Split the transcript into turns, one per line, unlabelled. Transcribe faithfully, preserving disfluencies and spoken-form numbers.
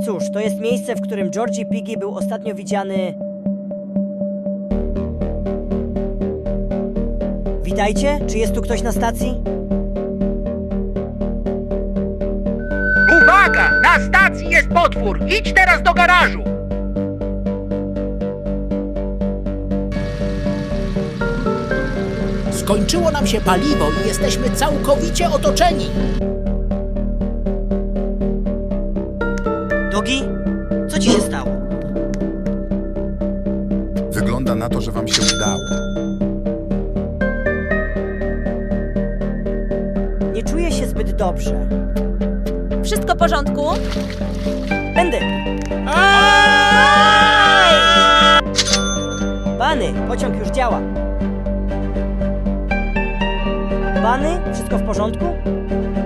Cóż, to jest miejsce, w którym Georgie Piggy był ostatnio widziany... Witajcie, czy jest tu ktoś na stacji?
Uwaga! Na stacji jest potwór! Idź teraz do garażu!
Skończyło nam się paliwo i jesteśmy całkowicie otoczeni.
Dogi? Co ci się stało?
Wygląda na to, że wam się udało.
Nie czuję się zbyt dobrze.
Wszystko w porządku?
Będę! Bany, pociąg już działa. Bany, wszystko w porządku?